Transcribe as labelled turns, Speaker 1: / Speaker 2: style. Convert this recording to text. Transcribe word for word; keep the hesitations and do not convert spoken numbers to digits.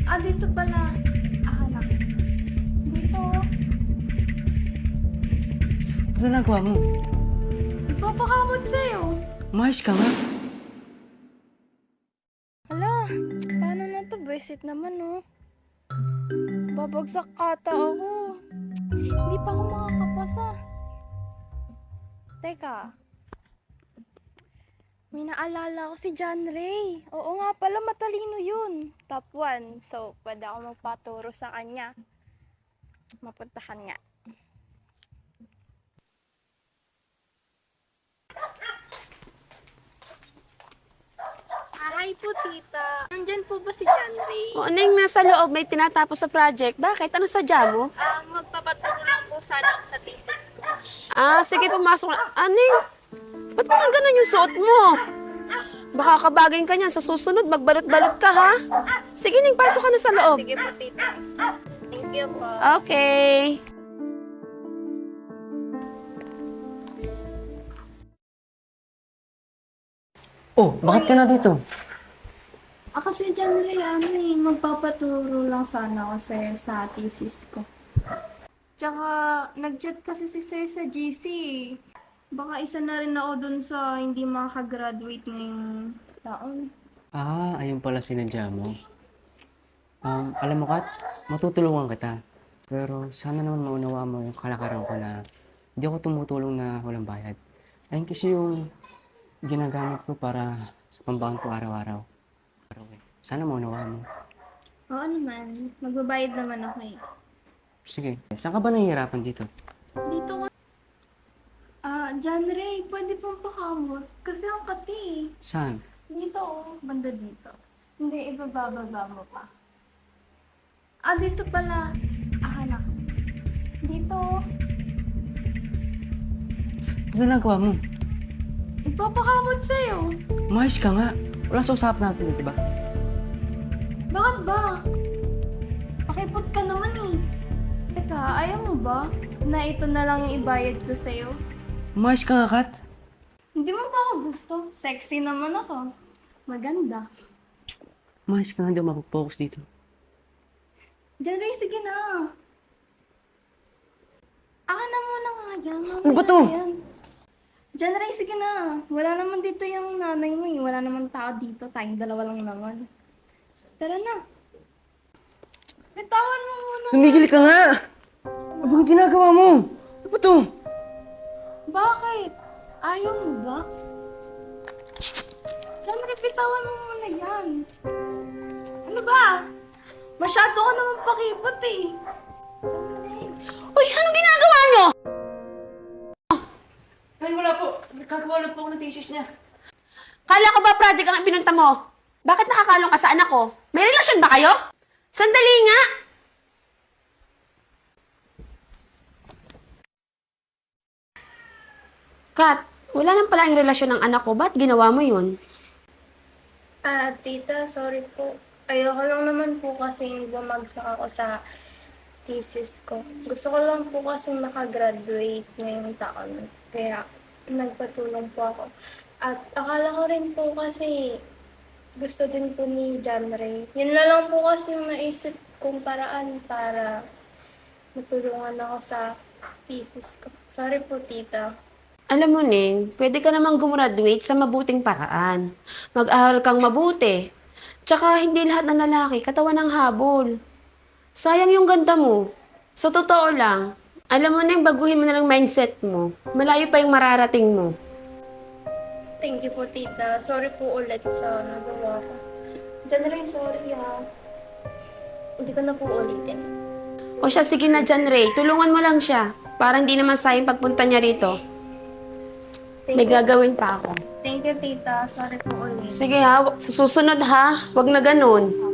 Speaker 1: Ah, dito pala. Ah, hanap. Dito.
Speaker 2: Ano nagawa mo?
Speaker 1: Nagpapakamot sa'yo.
Speaker 2: Umayos ka nga.
Speaker 1: Hala, paano na to? Buwisit naman, oh. Babagsak ata ako. Hindi pa ako makakapasa. Teka. May naalala ko si John Ray. Oo nga pala, matalino yun. Top one. So, pwede ako magpaturo sa kanya. Mapuntahan nga. Aray po, tita. Nandyan po ba si John Ray?
Speaker 3: O, ano yung nasa loob? May tinatapos sa project. Bakit? Ano sadya mo?
Speaker 1: Ah, magpapaturo lang po sana ako sa thesis ko.
Speaker 3: Ah, sige, pumasok na. Aning, ba't naman ganun yung suot mo? Baka kabagayin ka niyan. Sa susunod, magbalot-balot ka, ha? Sige, Ning, pasok ka na sa loob.
Speaker 1: Sige po, tita. Thank you po.
Speaker 3: Okay.
Speaker 2: Oh, bakit ka na dito?
Speaker 1: Ah, kasi John Ray, ano eh, magpapaturo lang sana ako sa, sa thesis ko. Tsaka, nag-chat kasi si sir sa G C. Baka isa na rin ako dun sa hindi makakagraduate ngayong taon.
Speaker 2: Ah, ayun pala sinadya mo. Um, alam mo, Kat, matutulungan kita. Pero sana naman maunawa mo yung kalakaran ko na hindi ako tumutulong na walang bayad. Ayun kasi yung ginagamit ko para sa pambaon ko araw-araw. Araw eh. Sana maunawa mo.
Speaker 1: Oo naman, magbabayad naman ako eh.
Speaker 2: Sige, saan ka ba nahihirapan dito?
Speaker 1: Dito ka. Ah, John Ray, pwede pong pakamot. Kasi ang kati eh.
Speaker 2: Saan?
Speaker 1: Dito oh, banda dito. Hindi, ibabababa mo pa. Ah, dito pala. Ah, hanap. Dito oh.
Speaker 2: Ano nagawa mo?
Speaker 1: Nagpapakamot sa'yo.
Speaker 2: Umayos ka nga. Wala sa usapan natin, di ba?
Speaker 1: Bakit ba? Pakipot ka naman eh. Teka, ayaw mo ba na ito na lang yung ibayad ko sa'yo?
Speaker 2: Umayos ka nga, Kat.
Speaker 1: Hindi mo ba ako gusto? Sexy naman ako. Maganda.
Speaker 2: Umayos ka nga, hindi ako mapag-focus dito.
Speaker 1: John Ray, sige na. Aka na muna nga yan.
Speaker 2: Ano ba to?
Speaker 1: Yan. John Ray, sige na. Wala naman dito yung nanay mo eh. Wala naman tao dito. Tayong dalawa lang naman. Tara na. Bitawan mo muna.
Speaker 2: Tumigil ka nga! Ano bang ginagawa mo? Ano ba to?
Speaker 1: Bakit? Ayaw mo ba? John Ray, bitawan mo muna yan. Ano ba? Masyado ka naman pakipot eh. John Ray.
Speaker 3: Uy, anong ginagawa nyo?
Speaker 2: Ay, wala po. Nagkagawa lang po ako ng thesis niya.
Speaker 3: Kala ko ba project ang pinunta mo? Bakit nakakalong ka sa anak ko? May relasyon ba kayo? Sandali nga! Kat, wala nang pala yung relasyon ng anak ko. Ba't ginawa mo yun?
Speaker 1: Ah, tita, sorry po. Ayoko lang naman po kasi bumagsak ako sa thesis ko. Gusto ko lang po kasi makagraduate ngayong taon. Kaya nagpatulong po ako. At akala ko rin po kasi gusto din po ni John Ray. Yun na lang po kasi yung naisip kong paraan para matulungan ako sa thesis ko. Sorry po, tita.
Speaker 3: Alam mo, Ning, pwede ka namang gumraduate sa mabuting paraan. Mag-aral kang mabuti. Tsaka hindi lahat ng lalaki katawan ng habol. Sayang yung ganda mo. Sa totoo lang, alam mo, Ning, baguhin mo na lang mindset mo. Malayo pa yung mararating mo.
Speaker 1: Thank you po, tita. Sorry po ulit sa nagawa ko. John Ray, sorry ha. Hindi ko na po ulitin.
Speaker 3: O siya, sige na dyan, Ray. Tulungan mo lang siya. Parang di naman sayang pagpunta niya rito.
Speaker 1: Thank
Speaker 3: May
Speaker 1: you.
Speaker 3: gagawin pa ako.
Speaker 1: Thank you, tita. Sorry po ulit.
Speaker 3: Sige ha, sa susunod ha. Huwag na ganun.